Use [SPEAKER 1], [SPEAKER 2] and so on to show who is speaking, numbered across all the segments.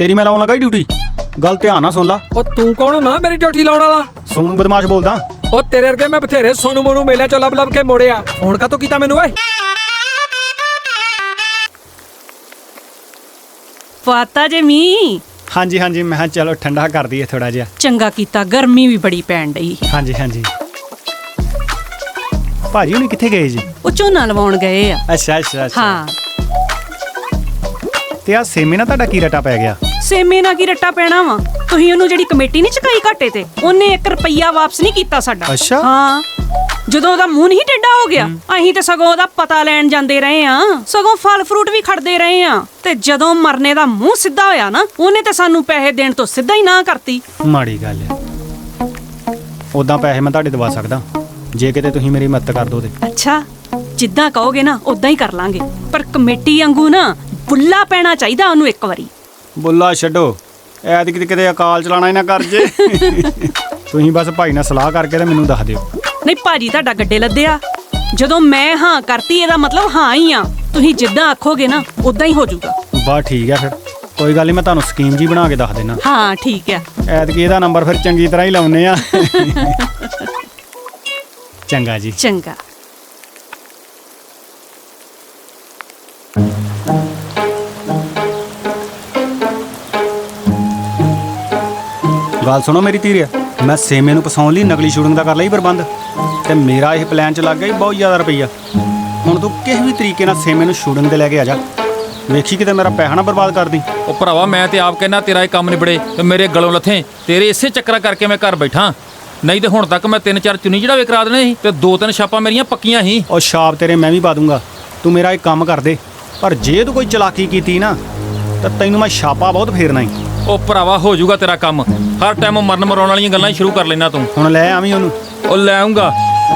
[SPEAKER 1] तेरी मैं लाउन लगा ड्यूटी। गल ध्यान नाल सुन ला।
[SPEAKER 2] ਉਹ ਤੂੰ ਕੌਣ ਨਾ ਮੇਰੀ ਡਿਊਟੀ ਲਾਉਣ ਵਾਲਾ?
[SPEAKER 1] सोनू बदमाश बोलदा।
[SPEAKER 2] ਉਹ ਤੇਰੇ ਵਰਗੇ ਮੈਂ ਬਥੇਰੇ ਸੋਨੂ ਮੋਨੂ ਮੇਲਿਆਂ ਚੋਂ ਲੱਭ ਲੱਭ ਕੇ ਮੋੜਿਆ। ਹੁਣ ਕਾਤੋਂ ਕੀਤਾ ਮੈਨੂੰ ਓਏ?
[SPEAKER 3] ਪਾਤਾ ਜੇ ਮੀਂਹ।
[SPEAKER 1] हाँ जी हाँ जी, मैं चलो ठंडा कर दिए थोड़ा जिहा।
[SPEAKER 3] ਚੰਗਾ ਕੀਤਾ, ਗਰਮੀ ਵੀ ਬੜੀ ਪੈਣ ਡਈ।
[SPEAKER 1] हाँ जी हाँ जी। भाजी हुणी कित्थे गए जी?
[SPEAKER 3] ਉਹ ਝੋਨਾ ਲਵਾਉਣ ਗਏ ਆ।
[SPEAKER 1] अच्छा अच्छा अच्छा।
[SPEAKER 3] ਹਾਂ,
[SPEAKER 1] ते आ सेमे ना ਤੁਹਾਡਾ ਕੀ ਰਟਾ ਪੈ ਗਿਆ?
[SPEAKER 3] ਸੇਮੇ ਨਾਲ ਕੀ ਰੱਟਾ ਪੈਣਾ ਵਾ? ਤੁਸੀਂ ਉਹਨੂੰ ਜਿਹੜੀ ਕਮੇਟੀ ਨਹੀਂ ਚੁਕਾਈ ਘਾਟੇ ਤੇ, ਉਹਨੇ 1 ਰੁਪਈਆ ਵਾਪਸ ਨਹੀਂ ਕੀਤਾ ਸਾਡਾ।
[SPEAKER 1] ਅੱਛਾ।
[SPEAKER 3] ਹਾਂ, ਜਦੋਂ ਉਹਦਾ ਮੂੰਹ ਨਹੀਂ ਟੇਢਾ ਹੋ ਗਿਆ, ਅਸੀਂ ਤੇ ਸਗੋਂ ਉਹਦਾ ਪਤਾ ਲੈਣ ਜਾਂਦੇ ਰਹੇ ਆ, ਸਗੋਂ ਫਲ ਫਰੂਟ ਵੀ ਖੜਦੇ ਰਹੇ ਆ, ਤੇ ਜਦੋਂ ਮਰਨੇ ਦਾ ਮੂੰਹ ਸਿੱਧਾ ਹੋਇਆ ਨਾ, ਉਹਨੇ ਤੇ ਸਾਨੂੰ ਪੈਸੇ ਦੇਣ ਤੋਂ ਸਿੱਧਾ ਹੀ ਨਾ ਕਰਤੀ।
[SPEAKER 1] ਮਾੜੀ ਗੱਲ ਹੈ। ਉਦਾਂ ਪੈਸੇ ਮੈਂ ਤੁਹਾਡੇ ਦਵਾ ਸਕਦਾ ਜੇ ਕਿਤੇ ਤੁਸੀਂ ਮੇਰੀ ਮਦਦ ਕਰ ਦੋ ਤੇ।
[SPEAKER 3] ਅੱਛਾ, ਜਿੱਦਾਂ ਕਹੋਗੇ ਨਾ ਉਦਾਂ ਹੀ ਕਰ ਲਾਂਗੇ, ਪਰ ਕਮੇਟੀ ਵਾਂਗੂ ਨਾ ਬੁੱਲਾ ਪੈਣਾ ਚਾਹੀਦਾ ਉਹਨੂੰ ਇੱਕ ਵਾਰੀ।
[SPEAKER 1] ਬੁੱਲਾ ਛੱਡੋ, ਐਤਕੀ ਕਿਤੇ ਅਕਾਲ ਚਲਾਣਾ ਹੀ ਨਾ ਕਰ ਜੇ। ਤੁਸੀਂ ਬਸ ਭਾਈ ਨਾਲ ਸਲਾਹ ਕਰਕੇ ਤੇ ਮੈਨੂੰ ਦੱਸ ਦਿਓ।
[SPEAKER 3] ਨਹੀਂ ਭਾਜੀ, ਤੁਹਾਡਾ ਗੱਡੇ ਲੱਦਿਆ। ਜਦੋਂ ਮੈਂ ਹਾਂ ਕਰਤੀ, ਇਹਦਾ ਮਤਲਬ ਹਾਂ ਹੀ ਆ। ਤੁਸੀਂ ਜਿੱਦਾਂ ਆਖੋਗੇ ਨਾ ਉਦਾਂ ਹੀ ਹੋ ਜਾਊਗਾ।
[SPEAKER 1] ਬਸ ਠੀਕ ਹੈ, ਫਿਰ ਕੋਈ ਗੱਲ ਨਹੀਂ, ਮੈਂ ਤੁਹਾਨੂੰ ਸਕੀਮ ਜੀ ਬਣਾ ਕੇ ਦੱਸ ਦੇਣਾ।
[SPEAKER 3] ਹਾਂ ਠੀਕ ਹੈ।
[SPEAKER 1] ਐਤਕੀ ਇਹਦਾ ਨੰਬਰ ਫਿਰ ਚੰਗੀ ਤਰ੍ਹਾਂ ਹੀ ਲਾਉਨੇ ਆ। ਚੰਗਾ ਜੀ।
[SPEAKER 3] ਚੰਗਾ।
[SPEAKER 1] ਗੱਲ ਸੁਣੋ ਮੇਰੀ ਧੀਰਿਆ, ਮੈਂ ਸੇਮੇ ਨੂੰ ਫਸਾਉਣ ਲਈ ਨਕਲੀ ਸ਼ੂਟਿੰਗ ਦਾ ਕਰ ਲਈ ਪ੍ਰਬੰਧ, ਤੇ ਮੇਰਾ ਇਹ ਪਲਾਨ ਚ ਲੱਗ ਗਿਆ ਬਹੁਤ ਜ਼ਿਆਦਾ ਰੁਪਈਆ। ਹੁਣ ਤੂੰ ਕਿਸੇ ਵੀ ਤਰੀਕੇ ਨਾਲ ਸੇਮੇ ਨੂੰ ਸ਼ੂਟਿੰਗ ਤੇ ਲੈ ਕੇ ਆ ਜਾ। ਵੇਖੀ ਕਿਤੇ ਮੇਰਾ ਪੈਸਾ ਨਾ ਬਰਬਾਦ ਕਰ ਦੀ।
[SPEAKER 4] ਉਹ ਭਰਾਵਾ, ਮੈਂ ਤੇ ਆਪ ਕਹਿਣਾ ਤੇਰਾ ਇਹ ਕੰਮ ਨਿਬੜੇ ਤੇ ਮੇਰੇ ਗਲੋਂ ਲੱਥੇ। ਤੇਰੇ ਇਸੇ ਚੱਕਰਾਂ ਕਰਕੇ ਮੈਂ ਘਰ ਬੈਠਾ, ਨਹੀਂ ਤੇ ਹੁਣ ਤੱਕ ਮੈਂ 3-4 ਚੁੰਨੀ ਚੜਾਵੇ ਕਰਾ ਦੇਣੇ ਸੀ, ਤੇ 2-3 ਛਾਪਾਂ ਮੇਰੀਆਂ ਪੱਕੀਆਂ ਸੀ।
[SPEAKER 1] ਉਹ ਛਾਪ ਤੇਰੇ ਮੈਂ ਵੀ ਪਾ ਦੂੰਗਾ, ਤੂੰ ਮੇਰਾ ਇੱਕ ਕੰਮ ਕਰ ਦੇ। ਪਰ ਜੇ ਤੂੰ ਕੋਈ ਚਲਾਕੀ ਕੀਤੀ ਨਾ ਤਾਂ ਤੈਨੂੰ ਮੈਂ ਛਾਪਾ ਬਹੁਤ ਫੇਰਨਾ ਹੀ।
[SPEAKER 4] ਉਹ ਭਰਾਵਾ, ਹੋ ਜਾਊਗਾ ਤੇਰਾ ਕੰਮ। ਹਰ ਟਾਈਮ ਮਰਨ ਮਰਾਉਣ ਵਾਲੀਆਂ ਗੱਲਾਂ ਹੀ ਸ਼ੁਰੂ ਕਰ ਲੈਣਾ ਤੂੰ।
[SPEAKER 1] ਹੁਣ ਲੈ ਆਵੀਂ ਉਹਨੂੰ।
[SPEAKER 4] ਉਹ ਲੈ ਆਉਂਗਾ।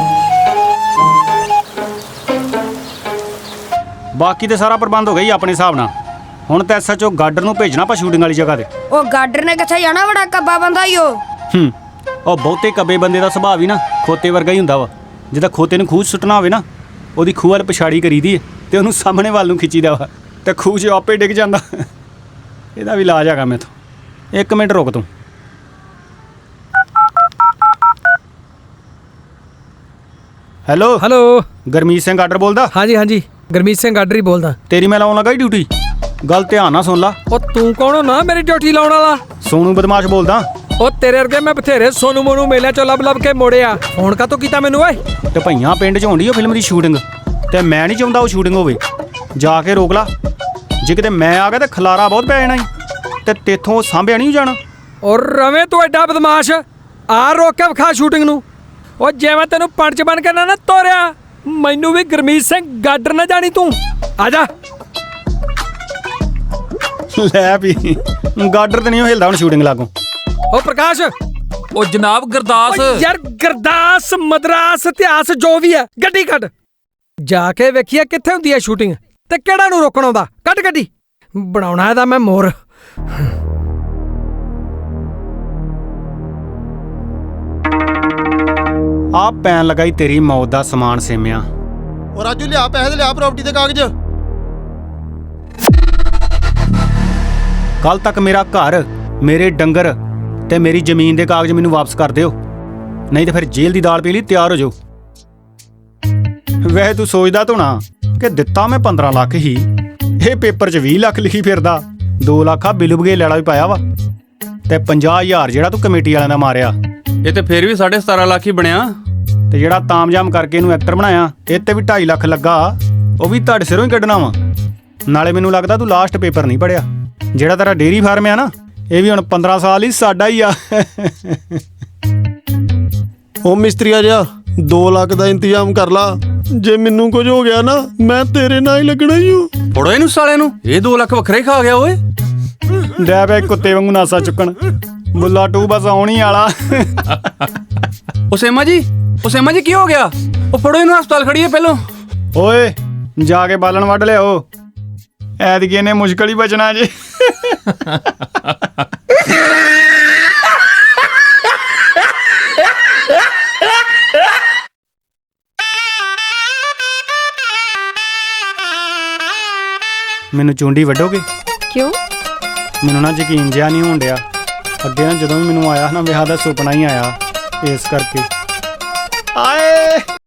[SPEAKER 1] ਬਾਕੀ ਤੇ ਸਾਰਾ ਪ੍ਰਬੰਧ ਹੋ ਗਿਆ ਹੀ ਆਪਣੇ ਹਿਸਾਬ ਨਾਲ। ਹੁਣ ਤਾਂ ਐਸਐਚਓ ਗਾਰਡਰ ਨੂੰ ਭੇਜਣਾ ਆਪਾਂ ਸ਼ੂਟਿੰਗ ਵਾਲੀ ਜਗ੍ਹਾ ਤੇ।
[SPEAKER 5] ਉਹ ਗਾਡਰ ਨੇ ਕਿੱਥੇ ਜਾਣਾ, ਬੜਾ ਕੱਬਾ ਬੰਦਾ ਈ ਉਹ।
[SPEAKER 1] ਉਹ ਬਹੁਤੇ ਕੱਬੇ ਬੰਦੇ ਦਾ ਸੁਭਾਅ ਵੀ ਨਾ ਖੋਤੇ ਵਰਗਾ ਹੀ ਹੁੰਦਾ ਵਾ। ਜਿੱਦਾਂ ਖੋਤੇ ਨੂੰ ਖੂਹ 'ਚ ਸੁੱਟਣਾ ਹੋਵੇ ਨਾ, ਉਹਦੀ ਖੂਹ ਵੱਲ ਪਛਾੜੀ ਕਰੀਦੀ ਹੈ ਤੇ ਉਹਨੂੰ ਸਾਹਮਣੇ ਵੱਲ ਨੂੰ ਖਿੱਚੀਦਾ ਵਾ, ਤੇ ਖੂਹ 'ਚ ਆਪੇ ਡਿੱਗ ਜਾਂਦਾ। ਇਹਦਾ ਵੀ ਇਲਾਜ ਹੈਗਾ ਮੈਥੋਂ। 1 ਮਿੰਟ ਰੁਕ ਤੂੰ। Hello
[SPEAKER 2] hello.
[SPEAKER 1] ਗੁਰਮੀਤ ਸਿੰਘ ਗਾਡਰ ਬੋਲਦਾ।
[SPEAKER 2] ਹਾਂਜੀ ਹਾਂਜੀ, ਗੁਰਮੀਤ ਸਿੰਘ ਗਾਡਰ ਹੀ ਬੋਲਦਾ।
[SPEAKER 1] ਤੇਰੀ ਮੈਂ ਲਾਉਣ ਲੱਗਾ ਹੀ ਡਿਊਟੀ। ਗੱਲ ਧਿਆਨ ਨਾਲ ਸੁਣ ਲਾ।
[SPEAKER 2] ਉਹ ਤੂੰ ਕੌਣ ਨਾ ਮੇਰੀ ਡਿਊਟੀ ਲਾਉਣ ਵਾਲਾ?
[SPEAKER 1] ਸੋਨੂ ਬਦਮਾਸ਼ ਬੋਲਦਾ।
[SPEAKER 2] ਉਹ ਤੇਰੇ ਵਰਗੇ ਮੈਂ ਬਥੇਰੇ ਸੋਨੂ ਮੋਨੂ ਮੇਲਿਆਂ ਚੋਂ ਲੱਭ ਲੱਭ ਕੇ ਮੋੜਿਆ। ਹੁਣ ਕਾਤੋਂ ਕੀਤਾ ਮੈਨੂੰ ਓਏ?
[SPEAKER 1] ਤੇ ਭਈਆਂ ਪਿੰਡ 'ਚ ਹੋਣੀ ਉਹ ਫਿਲਮ ਦੀ ਸ਼ੂਟਿੰਗ, ਤੇ ਮੈਂ ਨਹੀਂ ਚਾਹੁੰਦਾ ਉਹ ਸ਼ੂਟਿੰਗ ਹੋਵੇ। ਜਾ ਕੇ ਰੋਕ ਲਾ। ਜੇ ਕਿਤੇ ਮੈਂ ਆ ਗਿਆ ਤਾਂ ਖਲਾਰਾ ਬਹੁਤ ਪੈ ਜਾਣਾ ਈ, ਤੇ ਤੇਥੋਂ ਸਾਂਭਿਆ ਨਹੀਂ ਜਾਣਾ।
[SPEAKER 2] ਔਰ ਰਵੇਂ ਤੂੰ ਐਡਾ ਬਦਮਾਸ਼, ਆ ਰੋਕ ਕੇ ਵਿਖਾ ਸ਼ੂਟਿੰਗ ਨੂੰ। ਉਹ ਜਿਵੇਂ ਤੈਨੂੰ ਪੰਚ ਬਣ ਕੇ ਨਾ ਤੋਰਿਆ, ਮੈਨੂੰ ਵੀ ਗੁਰਮੀਤ ਸਿੰਘ ਗਾਡਰ ਨਾ ਜਾਣੀ ਤੂੰ। ਆ ਜਾ।
[SPEAKER 1] ਲੈ ਵੀ ਗਾਡਰ ਤੇ ਨਹੀਂ ਉਹ ਹਿਲਦਾ ਹੁਣ ਸ਼ੂਟਿੰਗ ਲਾਗੋਂ।
[SPEAKER 2] ਉਹ ਪ੍ਰਕਾਸ਼।
[SPEAKER 4] ਉਹ ਜਨਾਬ ਗੁਰਦਾਸ।
[SPEAKER 2] ਓ ਯਾਰ ਗੁਰਦਾਸ, ਮਦਰਾਸ, ਇਤਿਹਾਸ ਜੋ ਵੀ ਹੈ, ਗੱਡੀ ਕੱਢ। ਜਾ ਕੇ ਵੇਖੀਏ ਕਿੱਥੇ ਹੁੰਦੀ ਹੈ ਸ਼ੂਟਿੰਗ, ਤੇ ਕਿਹੜਾ ਨੂੰ ਰੋਕਣ ਆਉਂਦਾ। ਕੱਢ ਗੱਡੀ। ਬਣਾਉਣਾ ਇਹਦਾ ਮੈਂ ਮੋਰ।
[SPEAKER 1] ਆ ਪੈਣ ਲਗਾਈ ਤੇਰੀ ਮੌਤ ਦਾ ਸਮਾਨ ਸੇਮਿਆ।
[SPEAKER 6] ਉਹ ਰਾਜੂ ਲਿਆ ਪੈਸੇ ਤੇ ਲਿਆ ਪ੍ਰਾਪਰਟੀ ਦੇ ਕਾਗਜ਼।
[SPEAKER 1] ਕੱਲ ਤੱਕ ਮੇਰਾ ਘਰ, ਮੇਰੇ ਡੰਗਰ ਤੇ ਮੇਰੀ ਜ਼ਮੀਨ ਦੇ ਕਾਗਜ਼ ਮੈਨੂੰ ਵਾਪਸ ਕਰ ਦਿਓ, ਨਹੀਂ ਤਾਂ ਫਿਰ ਜੇਲ੍ਹ ਦੀ ਦਾਲ ਪੀ ਲਈ ਤਿਆਰ ਹੋ ਜਾਓ। ਵੈਸੇ ਤੂੰ ਸੋਚਦਾ ਤੂੰ ਨਾ ਕਿ ਦਿੱਤਾ ਮੈਂ 15 ਲੱਖ ਹੀ, ਇਹ ਪੇਪਰ 'ਚ 20 ਲੱਖ ਲਿਖੀ ਫਿਰਦਾ। 2 ਲੱਖ ਆ ਬਿੱਲੂ ਬਗੇਲ ਵਾਲਾ ਵੀ ਪਾਇਆ ਵਾ, ਤੇ 50,000 ਜਿਹੜਾ ਤੂੰ ਕਮੇਟੀ ਵਾਲਿਆਂ ਦਾ ਮਾਰਿਆ।
[SPEAKER 7] ਇਹ ਤੇ ਫੇਰ ਵੀ 17.5 ਲੱਖ ਹੀ ਬਣਿਆ।
[SPEAKER 1] ਤੇ ਜਿਹੜਾ ਤਾਮਜਾਮ ਕਰਕੇ ਇਹਨੂੰ ਐਕਟਰ ਬਣਾਇਆ, ਇਹ ਤੇ ਵੀ 2.5 ਲੱਖ ਲੱਗਾ, ਉਹ ਵੀ ਤੁਹਾਡੇ ਸਿਰੋਂ ਹੀ ਕੱਢਣਾ ਵਾ। ਨਾਲੇ ਮੈਨੂੰ ਲੱਗਦਾ ਤੂੰ ਲਾਸਟ ਪੇਪਰ ਨਹੀਂ ਪੜਿਆ। ਜਿਹੜਾ ਤੇਰਾ ਡੇਅਰੀ ਫਾਰਮ ਆ ਨਾ, ਇਹ ਵੀ ਹੁਣ 15 ਸਾਲ ਹੀ ਸਾਡਾ ਹੀ ਆ।
[SPEAKER 6] ਉਹ ਮਿਸਤਰੀਆ ਜਿਹਾ 2 ਲੱਖ ਦਾ ਇੰਤਜ਼ਾਮ ਕਰ ਲਾ। ਜੇ ਮੈਨੂੰ ਕੁਝ ਹੋ ਗਿਆ ਨਾ, ਮੈਂ ਤੇਰੇ ਨਾਲ ਹੀ ਲੱਗਣਾ ਹੀ ਹੂੰ।
[SPEAKER 7] ਫੜੋ ਇਹਨੂੰ ਸਾਲੇ ਨੂੰ, ਇਹ 2 ਲੱਖ ਵੱਖਰੇ ਖਾ ਗਿਆ ਓਏ।
[SPEAKER 1] ਡੈ ਪਿਆ ਕੁੱਤੇ ਵਾਂਗੂ ਨਾਸਾ ਚੁੱਕਣ। ਬੁੱਲਾ 2 ਬਸ ਆਉਣੀ ਵਾਲਾ।
[SPEAKER 7] ਉਹ ਸੇਮਾ ਜੀ ਕੀ ਹੋ ਗਿਆ? ਉਹ ਫੜੋ ਇਹਨੂੰ, ਹਸਪਤਾਲ ਖੜੀਏ ਪਹਿਲੋਂ।
[SPEAKER 1] ਓਏ ਜਾ ਕੇ ਬਾਲਣ ਵੱਢ ਲਿਆਓ, ਐਤਕੀ ਇਹਨੇ ਮੁਸ਼ਕਲ ਹੀ ਬਚਣਾ ਜੇ। ਮੈਨੂੰ ਚੁੰਡੀ ਵੱਢੋਗੇ?
[SPEAKER 5] ਕਿਉਂ?
[SPEAKER 1] ਮੈਨੂੰ ਨਾ ਯਕੀਨ ਜਿਹਾ ਨਹੀਂ ਹੋਣ ਡਿਆ। ਅੱਗੇ ਨਾ ਜਦੋਂ ਵੀ ਮੈਨੂੰ ਆਇਆ ਨਾ ਵਿਆਹ ਦਾ ਸੁਪਨਾ ਹੀ ਆਇਆ, ਇਸ ਕਰਕੇ। ਆਏ